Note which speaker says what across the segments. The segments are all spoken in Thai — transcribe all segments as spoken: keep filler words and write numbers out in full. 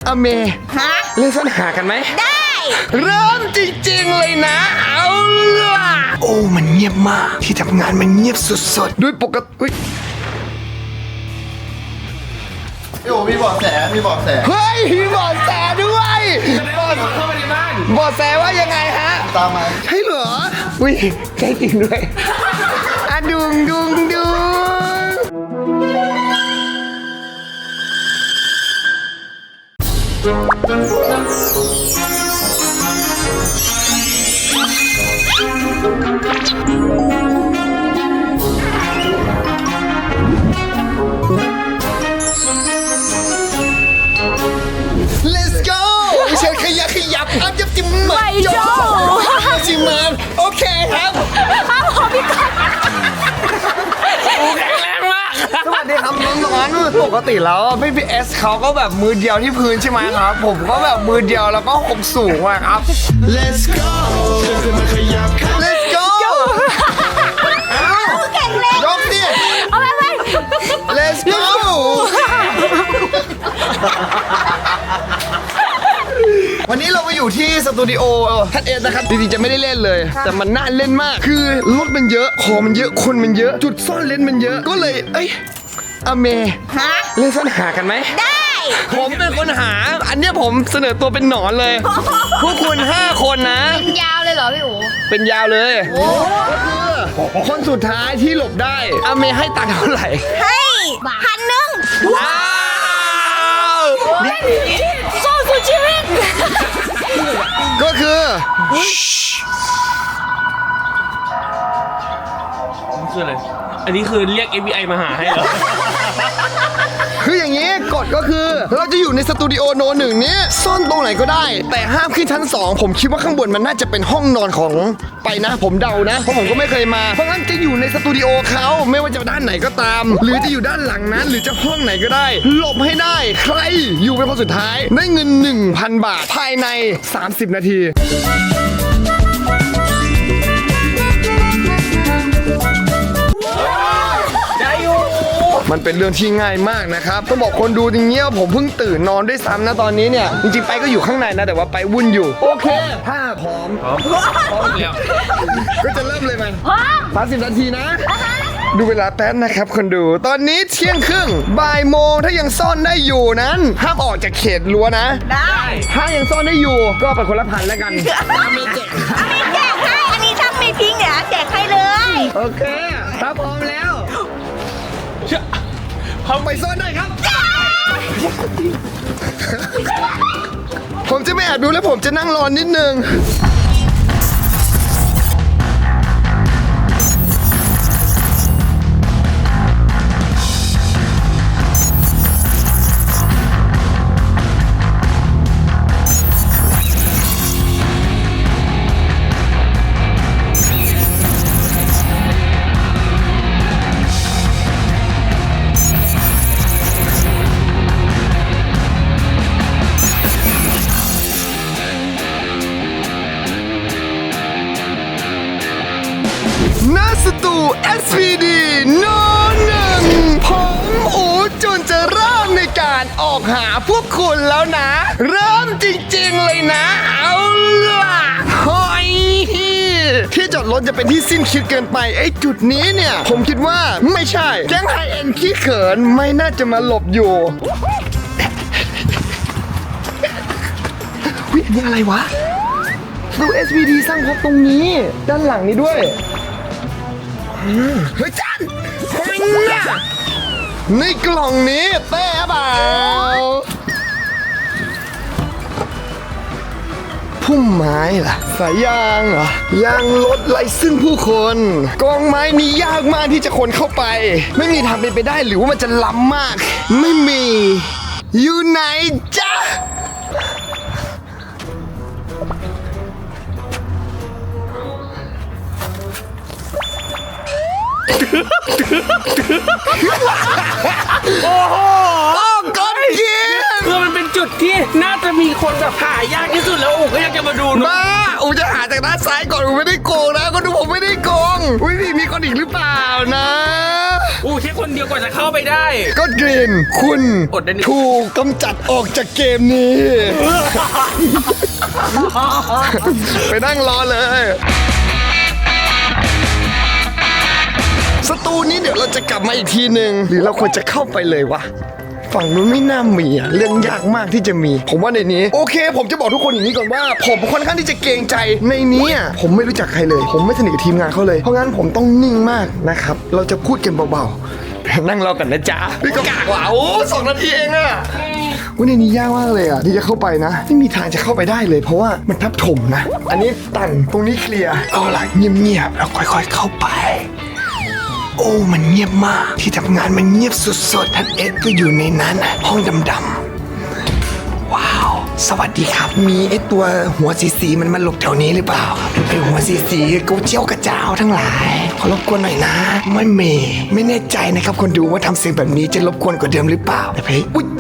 Speaker 1: อเม
Speaker 2: ฮะ
Speaker 1: เล่นซ่อนหากันไหม
Speaker 2: ได้
Speaker 1: เริ่มจริงๆเลยนะเอาล่ะโอ้มันเงียบมากที่ทำงานมันเงียบสุดๆด้วยปกติ
Speaker 3: พี่โอมีเบาะแสมีเบาะแส
Speaker 1: เฮ้ยมีเบาะแสด้วยเบาะเข้ามาในบ้านเบาะแสว่ายังไงฮะ
Speaker 3: ตามมา
Speaker 1: ใช่เหรออุ้ยใช่จริงด้วยอะดุงดุงดุงLet's go เชิญขยับขยับอัพยับจิ้มเหมือนโจ้จิ้มมันโอเคครับ
Speaker 2: ครับผมพี่ก๊อฟ
Speaker 1: โอ้แข็งแรงมากสวัสดีครับน้องๆปกติแล้วพี่พีเอสเขาก็แบบมือเดียวที่พื้นใช่ไหมครับผมก็แบบมือเดียวแล้วก็หกสูงอะครับ Let's go Let's go
Speaker 2: แข็งแรง
Speaker 1: ยกดิ
Speaker 2: เอาไปไป
Speaker 1: Let's go วันนี้เรามาอยู่ที่สตูดิโอทัดเอสนะครับจริงๆจะไม่ได้เล่นเลยแต่มันน่าเล่นมากคือรถมันเยอะของมันเยอะคนมันเยอะจุดซ่อนเล่นมันเยอะก็เลยเอ้ยอเม
Speaker 2: ฮะ
Speaker 1: เล่นซ่อนหากันไหม
Speaker 2: ได้
Speaker 1: ผมเป็นคนหาอันเนี้ยผมเสนอตัวเป็นหนอนเลยพวกคุณห้าคนนะ
Speaker 2: เป็นยาวเลยเหรอพี่อู๋
Speaker 1: เป็นยาวเลยคนสุดท้ายที่หลบได้อเมให้ตังค์เท่าไหร่
Speaker 2: ให้พันหนึ่ง
Speaker 1: ว้าว
Speaker 2: โซ่สุดชีวิต
Speaker 1: ก็คือ
Speaker 4: คืออะไรอันนี้คือเรียก เอฟ บี ไอ มาหาให้เหรอ
Speaker 1: คืออย่างนี้กฎก็คือเราจะอยู่ในสตูดิโอโนหนึ่งนี้ซ่อนตรงไหนก็ได้แต่ห้ามขึ้นชั้นสองผมคิดว่าข้างบนมันน่าจะเป็นห้องนอนของไปนะผมเดานะเพราะผมก็ไม่เคยมาเพราะงั้นจะอยู่ในสตูดิโอเขาไม่ว่าจะด้านไหนก็ตามหรือจะอยู่ด้านหลังนั้นหรือจะห้องไหนก็ได้หลบให้ได้ใครอยู่เป็นคนสุดท้ายได้เงิน หนึ่งพัน บาทภายในสามสิบนาทีมันเป็นเรื่องที่ง่ายมากนะครับต้องบอกคนดูจริงเงี้ยผมเพิ่งตื่นนอนด้วยซ้ำนะตอนนี้เนี่ยจริงๆไปก็อยู่ข้างในนะแต่ว่าไปวุ่นอยู่โอเคถ้าพร้อมพร้อมพร้อมแล้วก็จะเริ่มเลยมันพร้อมสามสิบนาทีนะดูเวลาแป๊บนะครับคนดูตอนนี้เที่ยงครึ่งบ่ายโมงถ้ายังซ่อนได้อยู่นั้นห้ามออกจากเขตรั้วนะ
Speaker 2: ได้
Speaker 1: ถ้ายังซ่อนได้อยู่ก็ไปคนละพันแล้วกัน
Speaker 2: มีแจกอันนี้แจกให้อันนี้ถ้าไม่พิงเดี๋ยวแจกให้เลย
Speaker 1: โอเคถ้าพร้อมแล้วเอาไปซ่อนได้ครับผมจะไม่แอบดูแล้วผมจะนั่งรอนิดนึงสตู เอส พี ดี โนหนึ่งผมอูจุนจะเริ่มในการออกหาพวกคุณแล้วนะเริ่มจริงๆเลยนะเอาล่ะเฮ้ยที่จอดรถจะเป็นที่สิ้นคิดเกินไปไอ้จุดนี้เนี่ยผมคิดว่าไม่ใช่แก๊งไฮเอ็นขี้เขินไม่น่าจะมาหลบอยู่วินี่อะไรวะสตู เอส พี ดี สร้างพบตรงนี้ด้านหลังนี้ด้วยเฮ้ยจันในกล่องนี้เต้เปล่าพุ่มไม้ล่ะสายยางเหรอยางรถไล่ซึ่งผู้คนกองไม้นี้ยากมากที่จะคนเข้าไปไม่มีทางเป็นไปได้หรือว่ามันจะล้ำมากไม่มีอยู่ไหนจ๊ะ
Speaker 4: โอ้โห
Speaker 1: ก้อนเกียร์
Speaker 4: คือมันเป็นจุดที่น่าจะมีคนแบบหายากที่สุดแล้วอู๋ก็อยากจะมาดูนะ
Speaker 1: บ้าอูจะหาจากด้านซ้ายก่อนอูไม่ได้โกงนะก็ดูผมไม่ได้โกงอุ้ยพี่มีคนอีกหรือเปล่านะ
Speaker 4: อู๋แค่คนเดียวกว่าจะเข้าไปได้
Speaker 1: ก็กรีนคุณ
Speaker 4: อดได้นิด
Speaker 1: ถูกกำจัดออกจากเกมนี้ ไปนั่งรอเลยสตูนี้เดี๋ยวเราจะกลับมาอีกทีหนึ่งหรือเราควรจะเข้าไปเลยวะฝั่งนู้นไม่น่ามีอะเรื่องยากมากที่จะมี ผมว่าในนี้โอเค ผมจะบอกทุกคนอย่างนี้ก่อนว่า ผมค่อนข้างที่จะเกรงใจในนี้อะผมไม่รู้จักใครเลย ผมไม่สนิทกับทีมงานเขาเลยเพราะงั้นผมต้องนิ่งมากนะครับเราจะพูดกันเบาๆนั่งรอกันนะจ๊ะพี่ก็กากว่าโอ้สองนาทีเองอะวันในนี้ยากมากเลยอะที่จะเข้าไปนะไม่มีทางจะเข้าไปได้เลย เพราะว่ามันทับถมนะ อันนี้ตันตรงนี้เคลียร์เอาล่ะเงียบๆแล้วค่อยๆเข้าไป โอ้ มันเงียบมาก ที่ทำงานมันเงียบสุดๆท่านเอ็ดก็อยู่ในนั้น ห้องดำๆ ว้าว สวัสดีครับ มีไอตัวหัวสีๆมันมาหลบแถวนี้หรือเปล่าไอหัวสีๆกูเจียวกระเจ้าทั้งหลาย ขอรบกวนหน่อยนะ ไม่เมย์ไม่แน่ใจนะครับคนดูว่าทำเสียงแบบนี้จะรบกวนกว่าเดิมหรือเปล่าแต่เพย์อุ๊ย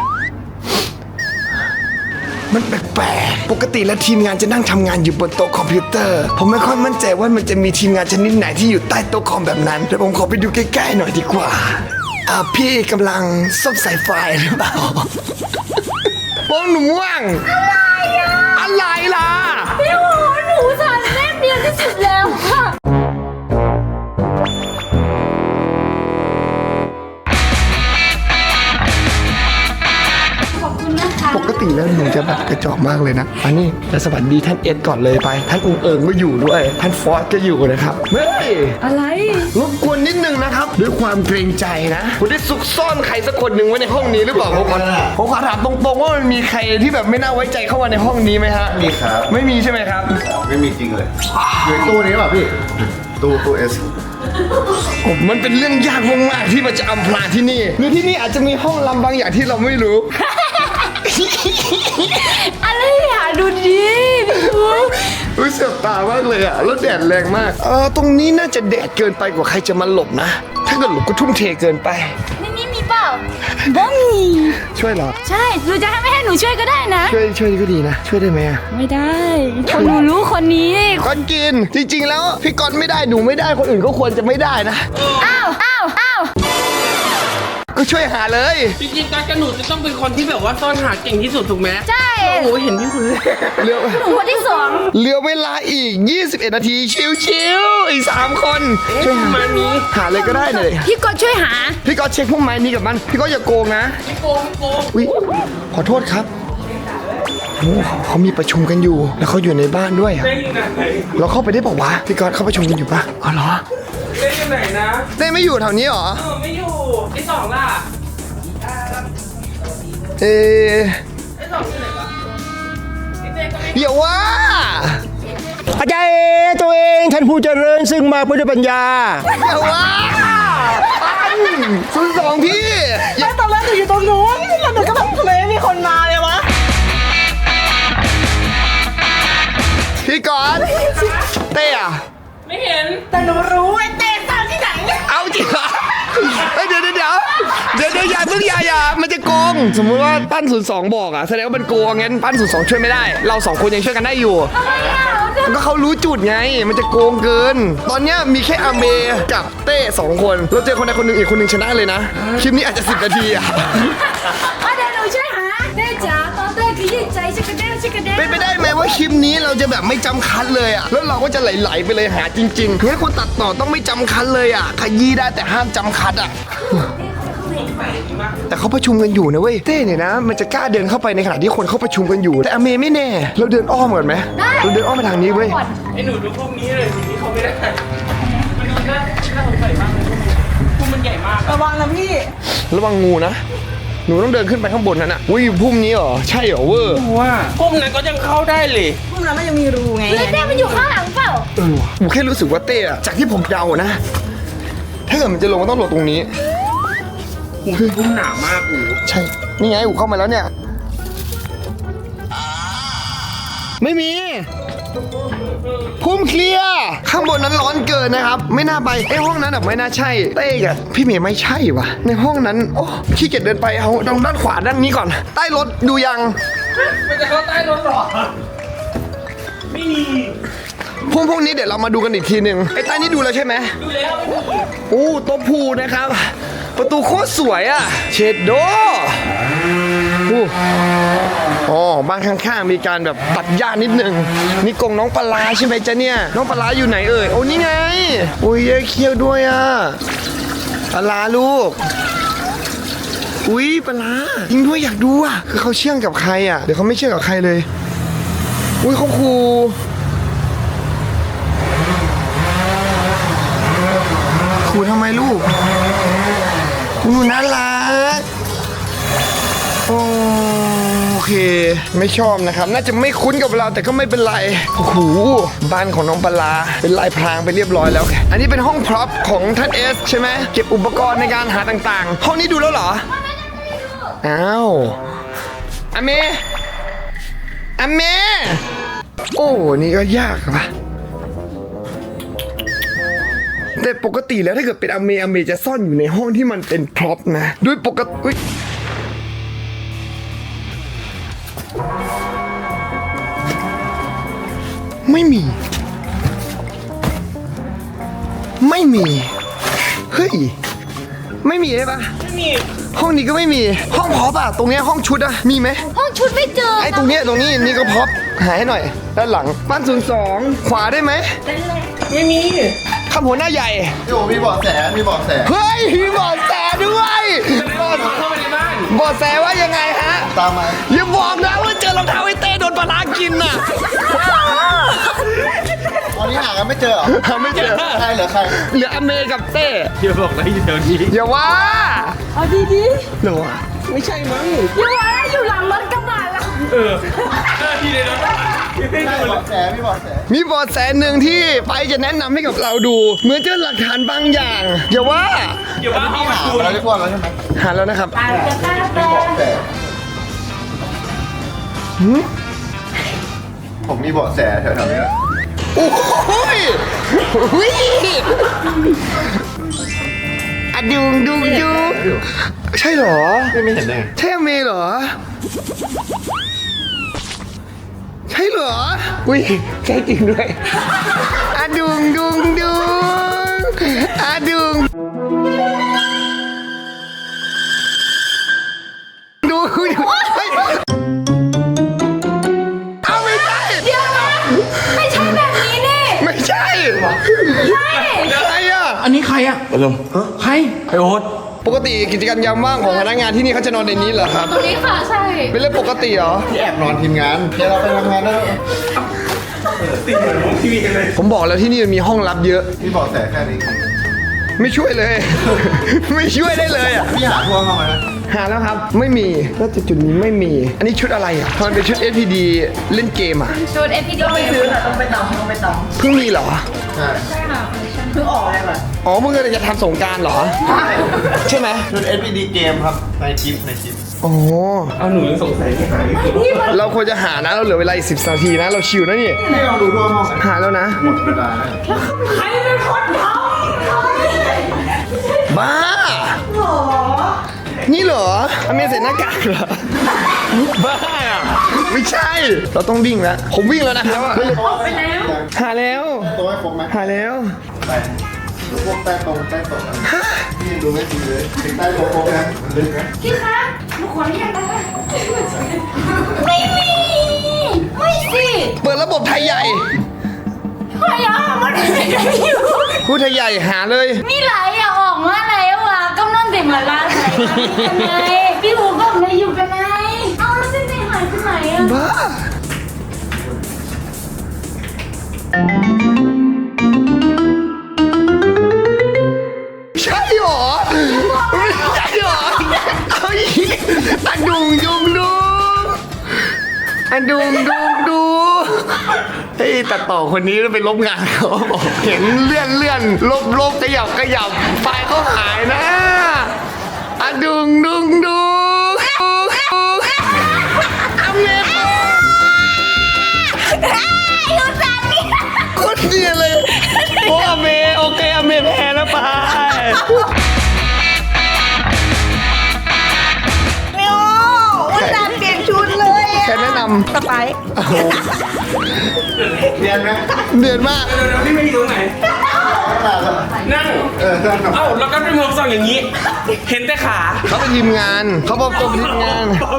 Speaker 1: มันแปลกๆ ปกติแล้วทีมงานจะนั่งทำงานอยู่บนโต๊ะคอมพิวเตอร์ ผมไม่ค่อยมั่นใจว่ามันจะมีทีมงานชนิดไหนที่อยู่ใต้โต๊ะคอมแบบนั้น เดี๋ยวผมขอไปดูใกล้ๆหน่อยดีกว่า อ่าพี่กำลังซ่อมสายไฟหรือเปล่าโป้งหนุ่มว่างอะไรอ่ะ อะไรล่ะ
Speaker 2: พี่โหหนูสารแม่เดียวที่สุดแล้วค่ะ ขอบคุณนะคะ
Speaker 1: ปกติแล้วหนูจะแบบกระจอกมากเลยนะอันนี้จะสวัสดีท่านเอ็ดก่อนเลยไป ท่านองค์เอิงก็อยู่ด้วย ท่านฟอสก็อยู่นะครับ เฮ้ย
Speaker 2: อะไร
Speaker 1: รบกวนนิดนึงนะครับ ด้วยความเกรงใจนะคุณได้ซุกซ่อนใครสักคนหนึ่งไว้ในห้องนี้หรือเปล่าผมขอผมขอถามตรงๆว่ามันมีใครที่แบบไม่น่าไว้ใจเข้ามาในห้องนี้ไหมฮะ
Speaker 3: มีครับ
Speaker 1: ไม่มีใช่ไหมครับ
Speaker 3: ไม่มีจริงเลยอยู่ในตู้นี้ป่ะพี่ ตู้ตู้เอส
Speaker 1: ผมมันเป็นเรื่องยากมากๆที่มันจะอำพรางที่นี่หรือที่นี่อาจจะมีห้องลำบางอย่างที่เราไม่รู้
Speaker 2: อะไรอ่ะดูดิพี่โห
Speaker 1: รู้สึกตามากเลยอะแล้วแดดแรงมาก เออตรงนี้น่าจะแดดเกินไปกว่าใครจะมาหลบนะ ถ้าเกิดหลบก็ทุ่มเทเกินไป
Speaker 2: ในนี้มีเปล่าบ่มี
Speaker 1: ช่วยเหรอ
Speaker 2: ใช่หนูจะให้ไม่ให้หนูช่วยก็ได้นะ
Speaker 1: ช่วยช่วยก็ดีนะ ช่วยได้ไหมอะ
Speaker 2: ไม่ได้คนหนูรู้คนนี้
Speaker 1: ก่อนกิน จริงๆแล้วพี่กอนไม่ได้หนูไม่ได้คนอื่นก็ควรจะไม่ได้นะ
Speaker 2: อ้าวอ้าวอ้าว
Speaker 1: ก็ช่วยหาเลย
Speaker 4: จริงๆตอนกระหนูจะต้องเป็นคนที่แบบว่าซ่อนหาเก่งที่สุดถูกไหม
Speaker 2: ใช่
Speaker 4: โอ้โหเห็นพี่คุณเลย
Speaker 1: เหลือ
Speaker 2: หนูคนที่สอง
Speaker 1: เหลือเวลาอีก ยี่สิบเอ็ด นาที ชิวๆอีกสามคนช่วยหา
Speaker 4: มานี้
Speaker 1: หาเลยก็ได้เลย
Speaker 2: พี่ก็ช่วยหา
Speaker 1: พี่ก็เช็คพวกไม้นี้กับมัน พี่ก็อย่าโกงนะ
Speaker 4: ไม่โกงไม่โกง
Speaker 1: อุ๊ยขอโทษครับโอ้เขาเขามีประชุมกันอยู่ แล้วเขาอยู่ในบ้านด้วยอะ
Speaker 4: เล่นอยู่ไหน
Speaker 1: เราเข้าไปได้บอกว่าวะพี่ก๊อตเขาประชุมกันอยู่ปะอ๋อเหรอ
Speaker 4: เล่นอยู่ไหนนะ
Speaker 1: เต้ไม่อยู่แถวนี้เหรอ
Speaker 4: เออไม่อยู่ไอ้สองล่ะ
Speaker 1: เออ
Speaker 4: ไอ้สองอยู่ไหนวะไอ้เจ๊ก็ไม่
Speaker 1: เดี๋ยวว่า
Speaker 5: อาจารย์เอตัวเองท่านผู้เจริญซึ่งมาเพื่อด้วยปัญญา
Speaker 1: เดี๋ยวว่าปันศูนย์สองพี่อย่า
Speaker 6: ตอนแรกหนูอยู่ตรงนู้นแล้วหนูก็แบบทำไมไม่มีคนมาเลยวะ
Speaker 1: พี่ก๊อตเต้อะ
Speaker 4: ไม่เห็น
Speaker 6: แต่หนูรู้ไอ้เต้ซ่อนที่ไหน
Speaker 1: เอาจริงเหรอเฮ้ยเดี๋ยวเดี๋ยวเดี๋ยวเดี๋ยวเดี๋ยวอย่าเพิ่งอย่าอย่ามันจะโกง สมมติว่าปั้นศูนย์สองบอกอะแสดงว่ามันโกงงั้นปั้นศูนย์สองช่วยไม่ได้ เราสองคนยังช่วยกันได้อยู่ ก็เขารู้จุดไง มันจะโกงเกิน ตอนเนี้ยมีแค่อาเมกับเต้สองคน เราเจอคนใดคนหนึ่งอีกคนหนึ่งชนะเลยนะ คลิปนี้อาจจะสิบนาทีอะ
Speaker 2: อ่ะเดี๋ยวหนูช่วยหาเด้จ๋าตอนเต้ขยี้ใจชิคกระเด้ชิคกระเด้
Speaker 1: เป็นไปได้ไหมว่าคลิปนี้เราจะแบบไม่จำคัดเลยอะแล้วเราก็จะไหลๆไปเลยหาจริงๆคือให้คนตัดต่อต้องไม่จำคัดเลยอะขยี้ได้แต่ห้ามจำคัดอะแต่เขาประชุมกันอยู่นะเว้ย เต้เนี่ยนะ มันจะกล้าเดินเข้าไปในขณะที่คนเขาประชุมกันอยู่ แต่อเมไม่แน่ เราเดินอ้อมก่อนไหมเราเดินอ้อมไปทางนี้เว้ย
Speaker 4: ไอ้หนูดูพวกนี้เลยสิ่งที่เขาไม่ได้มันดูน่าน่าสงสัยมากเลยพวกมันใหญ่มาก
Speaker 6: ระวังนะพี่
Speaker 1: ระวังงูนะ หนูต้องเดินขึ้นไปข้างบนนั้นอ่ะอุ้ยพุ่มนี้เหรอ ใช่เหรอเวอร์
Speaker 4: ว่าพวกนั้นก็ยังเข้าได้เลย
Speaker 6: พวกนั้นมันยังมีรูไง
Speaker 2: เฮ้ยเต้มันอยู่ข้างหลังเปล่า
Speaker 1: เออว่ะหนูแค่รู้สึกว่าเต้อะจากที่ผมเดานะ ถ้าเกิดมันจะลงมันต้องลงตรงนี้
Speaker 4: หูพุ่มหนามากอู
Speaker 1: ใช่ นี่ไงอูเข้ามาแล้วเนี่ย ไม่มี พุ่มเคลียร์ข้างบนนั้นร้อนเกินนะครับ ไม่น่าไปไอ้ห้องนั้นแบบไม่น่าใช่เต้กับพี่เมย์ไม่ใช่วะในห้องนั้นโอ้ขี้เกียจเดินไปเอาตรงด้านขวาด้านนี้ก่อน ใต้รถดูยัง
Speaker 4: มันจะเข้าใต้รถหรอไม่มี
Speaker 1: พวกพวกนี้เดี๋ยวเรามาดูกันอีกทีหนึ่งไอ้ใต้นี้ดูแล้วใช่ไหม
Speaker 4: ดูแล้วไม่มี
Speaker 1: โอ้โต๊ะพูนะครับ ประตูโคตรสวยอ่ะเชดโดอู้อ๋อบ้านข้างๆมีการแบบตัดหญ้านิดนึงนี่กรงน้องปลาใช่ไหมจ๊ะเนี่ยน้องปลาอยู่ไหนเอ่ยโอ้นี่ไงโอ้ยเยอะเคี้ยวด้วยอ่ะปลาลูกอุ้ยปลาจริงด้วยอยากดูอ่ะคือเขาเชื่องกับใครอ่ะเดี๋ยวเขาไม่เชื่องกับใครเลยอุ้ยเขาคูคูทำไมลูกคูน่ารักโอเคไม่ชอบนะครับ น่าจะไม่คุ้นกับเราแต่ก็ไม่เป็นไรโอ้โหบ้านของน้องปลาเป็นลายพรางไปเรียบร้อยแล้ว อันนี้เป็นห้องพร็อพของท่านเอสใช่ไหมเก็บอุปกรณ์ในการหาต่างๆ ห้องนี้ดูแล้วเหรออ้าวอเมอเมโอ้นี่ก็ยากปะแต่ปกติแล้วถ้าเกิดเป็นอเมอเมจะซ่อนอยู่ในห้องที่มันเป็นพร็อพนะด้วยปกติอุ๊ยไม่มี ไม่มี เฮ้ย ไม่มีใช่ปะ
Speaker 4: ไม่มี
Speaker 1: ห้องนี้ก็ไม่มี ห้องพร็อพอะตรงเนี้ยห้องชุดอะมีไหม
Speaker 2: ห้องชุดไม่เจอ
Speaker 1: ไอ้ตรงเนี้ยตรงนี้นี่ก็พร็อพหาให้หน่อย ด้านหลังบ้านศูนย์สองขวาได้ไหม
Speaker 4: ไม่มี
Speaker 1: คำหัวหน้าใหญ่
Speaker 3: พี่โอมีเบาะแสมีเบาะแส
Speaker 1: เฮ้ยมีเบอดแสด้วยเบาะ
Speaker 4: เข้าไปในบ้าน
Speaker 1: เบอดแสว่ายังไงฮะ
Speaker 3: ตามมา
Speaker 1: อย่าบอกนะว่าเจอรองเท้าไอ้เต้โดนปลาร้ากินน่ะ
Speaker 3: ตอนนี้หากันไม่เจอเหรอ
Speaker 1: หาไม่เจอ
Speaker 3: ใครเหรอใคร
Speaker 1: เหลืออเมกับเต้
Speaker 4: เดี๋ยวบอกนะอยู่แถวนี้
Speaker 1: อย่าว่า
Speaker 6: เอาดีดี
Speaker 1: หรอวะ
Speaker 4: ไม่ใช่มั้ง
Speaker 6: ๆอยู่อะไรอยู่หลังรถกระบะแล้ว
Speaker 4: เออเออที่ในรถอะไม่
Speaker 3: ใช่
Speaker 4: ดูเล
Speaker 3: เบาะ
Speaker 4: ย
Speaker 3: แสมีเบาะแส
Speaker 1: มีเบอดแสหนึ่งที่ไปจะแนะนำให้กับเราดู เหมือนเจอหลักฐานบางอย่าง อย่าว่า
Speaker 4: เดี๋ยวว่าห้อง
Speaker 3: หา
Speaker 4: คุณ
Speaker 3: ไปแล้วทั่วแล้วใช่ไหม
Speaker 1: หาแล้วนะครับ
Speaker 6: อาจจะตาแป
Speaker 3: เบาะแสผมมีเบาะแสแถวๆนี้แหละ
Speaker 1: โอ้ยหุยอะดุงดุงดุงใช่เหรอ
Speaker 3: ไม่เห็นได้ไง
Speaker 1: ใช่อเมเหรอ ใช่เหรอ อุ้ยใช่จริงด้วยอะดุงดุงดุงอะดุงดูดูเฮ้ยเอาไม่ใช่
Speaker 2: เดี๋ยวนะไม่ใช่แบบนี้นี่
Speaker 1: ไม่ใช่
Speaker 2: ใช่
Speaker 1: อะไรอ่ะ
Speaker 4: อันนี้ใครอะอารมณ์ใครไอโอ๊ต
Speaker 1: ปกติกิจกรรมยามว่างของพนักงานที่นี่เขาจะนอนในนี้เหรอครับ
Speaker 2: ตรงนี้ค่ะใช่
Speaker 1: เป็นเรื่องปกติเหรอ
Speaker 3: ที่แอบนอนทีมงานเดี๋ยวเราไปทำงานแล้ว
Speaker 4: ติดเหมือนผมทีวีกันเลย
Speaker 1: ผมบอกแล้วที่นี่มันมีห้องลับเยอะ
Speaker 3: มีเบาะแสแค่นี้
Speaker 1: ไม่ช่วยเลย ไม่ช่วยได้เลยอ่ะ
Speaker 3: พี่หาทั่วเข้ามานะ
Speaker 1: หาแล้วครับ ไม่มีน่าจะจุดนี้ไม่มี อันนี้ชุดอะไรอ่ะทำไมเป็นชุด เอส พี ดี เล่นเกมอ่ะ
Speaker 2: ชุดเอพีดี
Speaker 6: ไปซื้อแต่ต้องไปตำต้องไปต
Speaker 1: เพิ่งมีเหรอ
Speaker 3: ใช่
Speaker 6: ำเพิ่งออกเลยแบบ
Speaker 1: อ๋อมึงกำลังจะทำสงกรารเหรอ ใช่ไหม
Speaker 3: ชุด เอส พี ดี เกมครับในคลิปในคลิป
Speaker 1: อ๋อ
Speaker 4: เอาหนูยังสงสัยที่หายไม่เจอ
Speaker 1: เราควรจะหานะ เราเหลือเวลาอีกสิบนาทีนะ เราชิวนะนี่
Speaker 3: นี่ลองดูทั่วห้องกัน
Speaker 1: หาแล้วนะ
Speaker 3: หมดเวลาแล้ว
Speaker 6: ใครเป็นคนท
Speaker 1: บ้า นี่เหรออเมใส่หน้ากากเหรอ บ้าอะไม่ใช่ เราต้องวิ่งแล้ว ผมวิ่งแล้วนะครับ
Speaker 6: ำไปแล้ว
Speaker 1: หาแล้ว
Speaker 3: ตัวให้ครบไหม
Speaker 1: หาแล้ว
Speaker 3: ไปพวกใต้ตรงใต้ตกพี่ดูไม่ดีเลยถึงใต้ตรงครบนะมันลึกนะ
Speaker 2: พี่คะหนูขออนุญาตนะคะไม่มี ไม่สิ
Speaker 1: เปิดระบบไทยใหญ่
Speaker 2: ใครอ่ะมันไม่ได้อยู่
Speaker 1: พูดไทยใหญ่หาเลย
Speaker 2: มีหลายอย่างออกมาแล้วอ่ะกำลังเด็กมาลาไหนกันไงพี่หูก็ไม่อยู่กันไงเอาแล้วเส้นไหนหายไปไหนอ่ะ
Speaker 1: บ้า ใช่หรอ ไม่ใช่หรอเอาอีกอะดุงดุงดุงอะดุงดุงดุงเฮ้ยตัดต่อคนนี้ไปลบงานเขาบอกเห็นเลื่อนเลื่อนลบลบขยับขยับไฟล์เขาหายนะอะดุงดุงดุงดุงดุงอเมริกา
Speaker 2: อยู่ตรงนี้
Speaker 1: โคตรเนียนเลย โอ้อเมโอเคอเมแพ้แล้วไป
Speaker 2: โอ้อุตส่าห์เปลี่ยนชุดเลยอ่ะ
Speaker 1: แค่แนะน
Speaker 6: สไปซ์
Speaker 3: เรียนไหม
Speaker 1: ำเดือนมาก
Speaker 4: เดี๋ยวๆพี่ไม่อยู่ตรงไหน นั่ง
Speaker 3: เออนั่งกับ
Speaker 4: เอ้าแล้วก็เป็นมือสั่งอย่างนี้ เห็นแต่ขา
Speaker 1: เขาเป็นทีมงาน เขาบอกตัวเป็นทีมงาน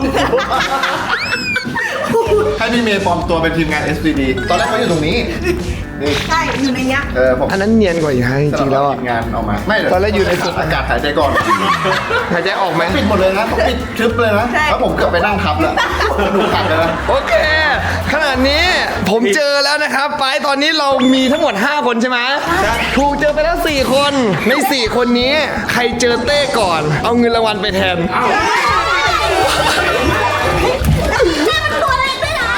Speaker 3: ให้พี่เมย์ปลอมตัวเป็นทีมงาน เอส ดี ดี ตอนแรกเขาอยู่ตรงนี้ นี่
Speaker 6: ใช่อยู่ในเนี้ย
Speaker 3: เออผม
Speaker 1: อันนั้นเนียนกว่าอีกฮะจริงๆแล้วอะ
Speaker 3: ทีมงานออกมา ไม่เดี๋ว
Speaker 1: ตอนแรกอยู่ในสุด
Speaker 3: อากาศหายใจก่อน
Speaker 1: หายใจออกไหม
Speaker 3: ปิดหมดเลยนะต้องปิดทึบเลยนะ
Speaker 6: ใช่
Speaker 3: แล้วผมเกือบไปนั่งทับแล้วดูขัดเลยนะ
Speaker 1: โอเค ขนาดนี้ผมเจอแล้วนะครับ ไปตอนนี้เรามีทั้งหมด ห้า คนใช่ไหมถูกเจอไปแล้ว สี่ คน ใน สี่ คนนี้ ใครเจอเต้ก่อน เอาเงินรางวัลไปแทน
Speaker 2: ตัวเล็กด้วยนะ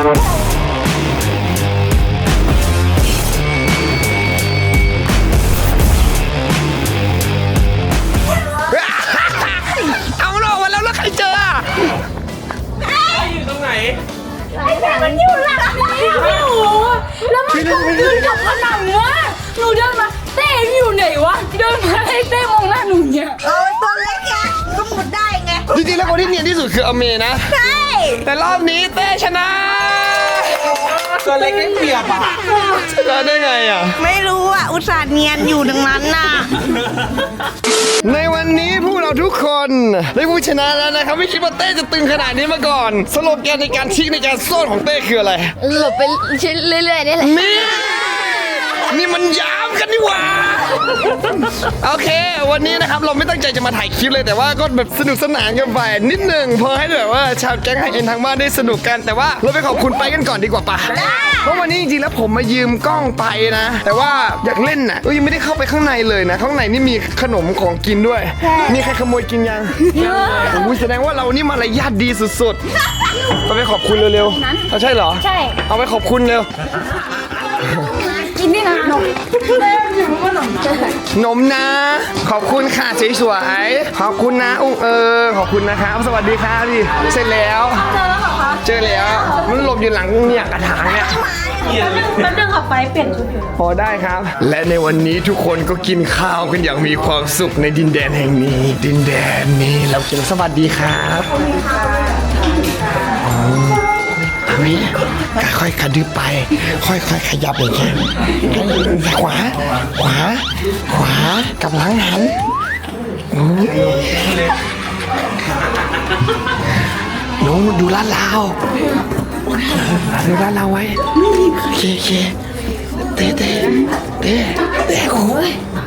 Speaker 1: เอามันออกมาแล้วแล้วใครเจออะ
Speaker 4: อยู่ตรงไหน
Speaker 2: ไอ้แม่มันอยู่หลังนี้พี่หนูแล้วมันก็เดินกับผนังวะหนูเดินมาเต้อยู่ไหนวะเดินมาให้เต้มองหน้าหนูเนี่ย
Speaker 6: เออตัวเล็กไงก็มุดได้ไง
Speaker 1: จริงๆแล้วคนที่เนียนที่สุดคืออเมนะ
Speaker 6: ใช่
Speaker 1: แต่รอบนี้เต้ชนะ
Speaker 4: ตัวเล็กได้เปรียบอ่ะ
Speaker 1: ชนะได้ไงอ่ะ
Speaker 6: ไม่รู้อ่ะ อุตส่าห์เนียนอยู่ดังนั้นน่ะ
Speaker 1: ในวันนี้พวกเราทุกคนได้ผู้ชนะแล้วนะครับ ไม่คิดว่าเต้จะตึงขนาดนี้มาก่อน สโลแกนในการชิกในการโซนของเต้คืออะไร
Speaker 2: หลบไปเรื่อยๆนี่แหละ
Speaker 1: นี่ นี่มันยามกันนี่หว่า โอเค วันนี้นะครับเราไม่ตั้งใจจะมาถ่ายคลิปเลยแต่ว่าก็แบบสนุกสนานกันไปนิดหนึ่งพอให้แบบว่าชาวแก๊งไฮเอ็นทางบ้านได้สนุกกันแต่ว่าเราไปขอบคุณไปกันก่อนดีกว่าปะเพราะวันนี้จริงๆแล้วผมมายืมกล้องไปนะ แต่ว่าอยากเล่นน่ะเอ้ยยังไม่ได้เข้าไปข้างในเลยนะ ข้างในนี่มีขนมของกินด้วย มีใครขโมยกินยังโอ้ยแสดงว่าเรานี่มารยาทดีสุดๆเราไปขอบคุณเร็วๆเอาใช่เหรอ
Speaker 2: ใช่
Speaker 1: เอาไปขอบคุณเร็ว
Speaker 2: กินนี่นะนม
Speaker 1: นมนะ ขอบคุณค่ะสวยๆขอบคุณนะอุ้งเออขอบคุณนะครับ สวัสดีครับพี่เสร็จแล้ว
Speaker 6: เจอแล้วเหรอคะ
Speaker 1: เจอแล้ว มันหลบอยู่หลังเนี่ยกระถางเนี่ย
Speaker 6: แป๊บนึงค่ะไปเปลี่ยนชุดอยู่
Speaker 1: พอได้ครับ และในวันนี้ทุกคนก็กินข้าวกันอย่างมีความสุขในดินแดนแห่งนี้ ดินแดนนี้เรากินสวัสดีครับอันนี้ค่อยๆกระดึบไป ค่อยๆขยับอย่างเงี้ยขวา ขวา ขวากับหลังหันโอ้หนูดูลาดลาวดูลาดลาวไว้โอเคโอเคเต้เต้เต้เต้โอ้ย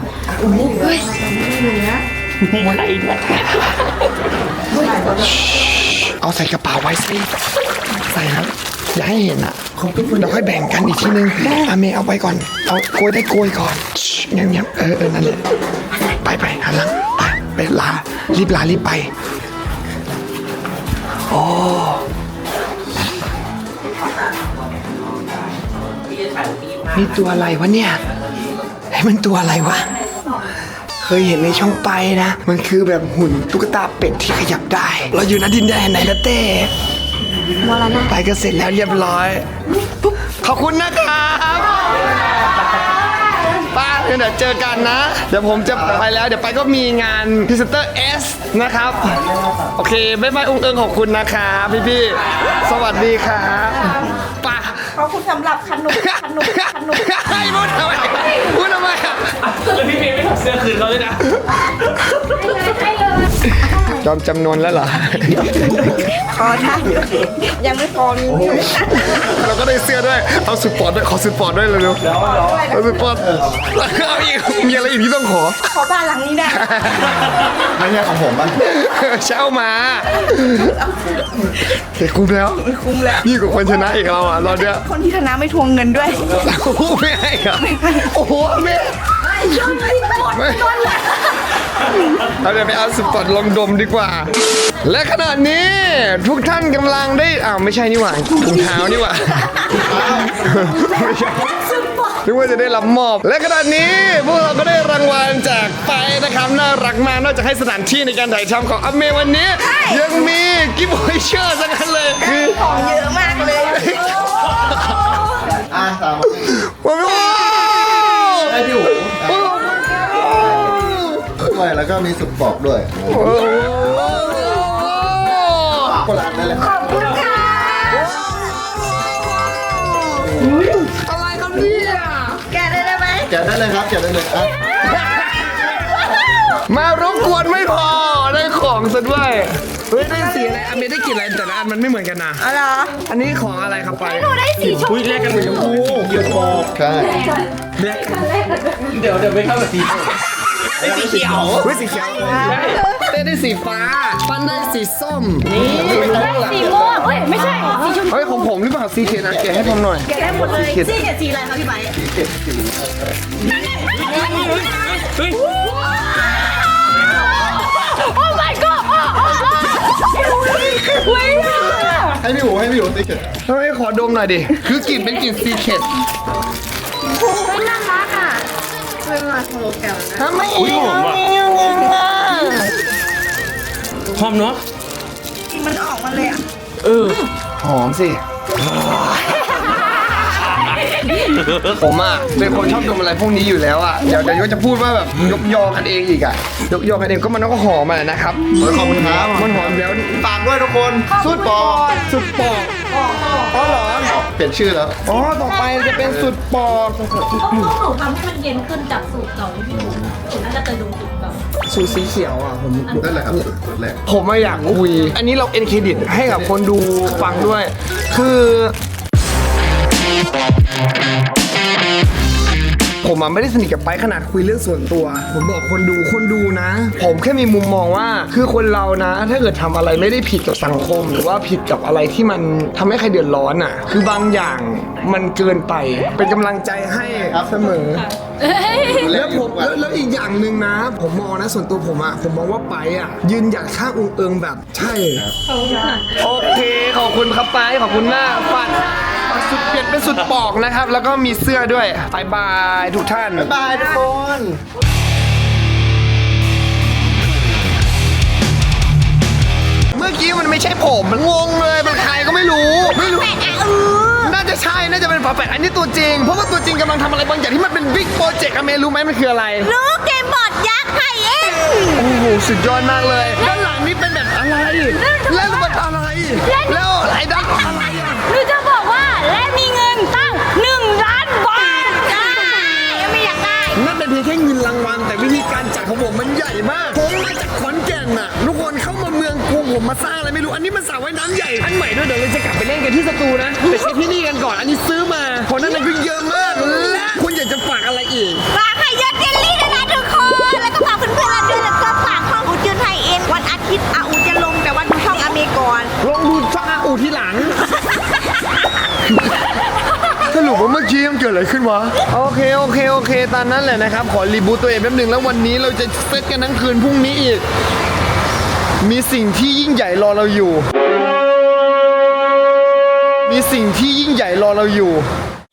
Speaker 1: เอาใส่กระเป๋าไว้สิใส่ครับอย่าให้เห็นอ่ะเราค่อยแบ่งกันอีกทีนึงอาเมย์เอาไปก่อนเอาโกยได้โกยก่อนเงียบๆเออเออนั่นแหละไปไปหันหลังไปไปลารีบลารีบไปโอ้นี่ตัวอะไรวะเนี่ยไอ้มันตัวอะไรวะเคยเห็นในช่องไปนะมันคือแบบหุ่นตุ๊กตาเป็ดที่ขยับได้ เราอยู่ณดินแดนไหนนะเต้ไปก็เสร็จแล้วเรียบร้อยปุ๊บขอบคุณนะครับป้าเดี๋ยวเจอกันนะ เดี๋ยวผมจะไปแล้วเดี๋ยวไปก็มีงานพรีเซนเตอร์ S นะครับโอเคบ๊ายบายอุ้งเอิงขอบคุณนะครับพี่ๆสวัสดีครับป้า
Speaker 6: ขอบคุณสำหรับขนมขนมขนม
Speaker 1: ให้พูดทำไมพูดทำไมอ่ะ
Speaker 4: แล้วพี่เมย์ไม่ถอดเสื้อคืนเขาเลยนะ
Speaker 2: ให้เลย
Speaker 1: ยอมจำนวนแล้วเหรอ
Speaker 6: ขอท่านยังไม่พอมี
Speaker 1: เราก็ได้เสื้อด้วย เอาสุดปอร์ตด้วย ขอสุดปอร์ตด้วยเร็วๆเอาสุดปอร์ตเอาอีก มีอะไรอีกที่ต้องขอ
Speaker 6: ขอบ้านหลังนี้ได้
Speaker 3: ไม่ใช่ของผมบ้าง
Speaker 1: เช่ามาเฮ้ยคุ้มแล้ว
Speaker 6: คุ้มแล้ว
Speaker 1: ยิ่งกว่าคนชนะอีกเราอ่ะรอบเนี้ย
Speaker 6: คนที่ชนะไม่ทวงเงินด้วย
Speaker 1: โอ้โหไม่ให้เหรอโอ้โหแม่ไม่เราเดี๋ยวไปเอาสุดปอร์ตลองดมดีกว่า และขณะนี้ทุกท่านกำลังได้อ้าวไม่ใช่นี่หว่าถุงเท้านี่หว่าไม่ใช่นึกว่าจะได้รับมอบ และขณะนี้พวกเราก็ได้รางวัลจากไปนะครับน่ารักมากนอกจากให้สถานที่ในการถ่ายทำของอเมวันนี้ ยังมีกิฟต์วอยเชอร์สักอันเลยคือ
Speaker 6: ของเยอะมากเลย
Speaker 3: อ่ะตาม
Speaker 1: ว้าว
Speaker 3: ได้พี่หูด้วยแล้วก็มีสุกปอกด้วยคนละอันได้เลย
Speaker 2: ขอบคุณค่ะ
Speaker 3: ได้เลยครับเก็บได้เลยอ่ะ
Speaker 1: มารบกวนไม่พอได้ของซะด้วยเฮ้ยได้สีอะไรอันนี้ได้กลิ่นอะไรแต่ละอันมันไม่เหมือนกันนะ
Speaker 6: อะไร
Speaker 1: อันนี้ของอะไรครับไป
Speaker 2: หนูได้สีชม
Speaker 4: อุ้ยแลกกันเลยชมพู
Speaker 3: เกี่ยวกับใช่
Speaker 4: เดี๋ยวเดี๋ยวไม่เข้ากับสีไอ้สีเขียว
Speaker 1: เฮ้ยสีเขียวเต้ได้สีฟ้าปั้นได้สีส้มนี่
Speaker 2: สีม่วงเอ้ยไม่ใช่สีชมพู
Speaker 1: เฮ้ยของผมหรือเปล่าสีเขียวนะแกะให้ผมหน่อย
Speaker 6: แกะได้หมดเลยสีเขียวสีอะไรคะพี่ไบร์ท
Speaker 4: เฮ้ย
Speaker 2: โอ้ my god โอ้โอ้โอ้ย
Speaker 3: ให้พี่อู๋ให้พี่อู๋ติ๊กเก็ต
Speaker 1: เฮ้ยขอดมหน่อยดิคือกลิ่นเป็นกลิ่นซีเคร็ต
Speaker 2: ไม่น่ารักอ่ะ
Speaker 1: ทำไม
Speaker 4: อุ้ยหอมว่ะหอมเนาะ
Speaker 6: มันออกมาเลยอ่ะ
Speaker 4: เออ
Speaker 1: หอมสิผมอ่ะเป็นคนชอบดมอะไรพวกนี้อยู่แล้วอ่ะเดี๋ยวเดี๋ยวจะพูดว่าแบบยกยอกันเองอีกอ่ะยกยอกันเองก็มันก็หอมอ่ะนะครับ
Speaker 3: ขอบคุณครับ
Speaker 1: มันหอมแล้ว
Speaker 3: ฝากด้วยทุกคนสุดปอก
Speaker 1: สุดปอกอ๋อเหรอ
Speaker 3: เปลี่ยนชื่อแล้ว
Speaker 1: อ๋อต่อไปจะเป็นสุดปอก
Speaker 2: พวกหนูทำให้มันเย็นขึ้นจากสูตรเก่าที่พี่หนูหนูน่าจะเคยดูสูตรเก่า
Speaker 1: สูตรสีเขียวอ่ะผม
Speaker 3: นั่นแหละครับสุดแรก
Speaker 1: ผมไม่อยากคุย อันนี้เราเอ็นเครดิตให้กับคนดูฟังด้วย คือ ผมอะไม่ได้สนิทกับไปขนาดคุยเรื่องส่วนตัว ผมบอกคนดูคนดูนะ ผมแค่มีมุมมองว่า คือคนเรานะ ถ้าเกิดทำอะไรไม่ได้ผิดกับสังคม หรือว่าผิดกับอะไรที่มันทำให้ใครเดือดร้อนอ่ะ คือบางอย่างมันเกินไป เป็นกำลังใจให้เสมอ แล้วผมแล้วแล้วอีกอย่างหนึ่งนะ ผมมองนะส่วนตัวผมอะผมมองว่าไปอะยืนหยัดข้างองค์เอิงแบบใช่โอเคขอบคุณครับไปขอบคุณมากปัดปัดสุดเปลี่ยนเป็นสุดปอกนะครับ แล้วก็มีเสื้อด้วยบายบายทุกท่าน
Speaker 3: บ๊ายบายทุกคน
Speaker 1: เมื่อกี้มันไม่ใช่ผมมันงงเลยมันใครก็ไม่รู้ไม่รู้น่าจะใช่น่าจะเป็นฝาแฝดอันนี้ตัวจริงเพราะว่าตัวจริงกำลังทำอะไรบางอย่างที่มันเป็นบิ๊กโปรเจกต์อะเมย์รู้ไหมมันคืออะไร
Speaker 6: รู้เกมบอร์ดยักษ์ไข่เอ็น
Speaker 1: โอ้โหสุดยอดมากเลยด้านหลังนี่เป็นแบบอะไรแล้วมันอะไรแล้วไอ้ด้านอะไรอะ
Speaker 2: หนูจะบอกว่าและมีเงินตั้งหนึ่งล้านบาท
Speaker 6: ได้ยังไม่อยากได้
Speaker 1: นั่นเป็นเพียงแค่เงินรางวัลแต่วิธีการจัดของผมมันใหญ่มากผมมาจากขอนแก่นน่ะทุกคนเข้ามาเมืองกรุงผมมาสร้างอะไรไม่รู้อันนี้มันสระว่ายน้ำใหญ่อันใหม่ด้วยเดี๋ยวเราจะกลับไปเล่นกันที่สตูนะไปเช็คที่นี่กันก่อนอันนี้ซื้อมาผลนั้นมันคือเยอะมากและคุณอยากจะฝากอะไรอีก
Speaker 6: ฝากไข่ยอดเจลลี่ด้วยนะทุกคน แล้วก็ฝากเพื่อนๆเราด้วยแล้วก็ฝากช่องอูจืนไทยเอ็นวันอาทิตย์อาอูจะลงแต่ว่าดูช่องอเมก่อน
Speaker 1: ลองดูช่างอาอูที่หลัง สรุปว่าเมื่อกี้มันเกิดอะไรขึ้นวะ โอเค โอเค โอเค ตามนั้นแหละนะครับ ขอรีบูตตัวเองแป๊บหนึงแล้ววันนี้เราจะเซตกันทั้งคืนพรุ่งนี้อีก มีสิ่งที่ยิ่งใหญ่รอเราอยู่ มีสิ่งที่ยิ่งใหญ่รอเราอยู่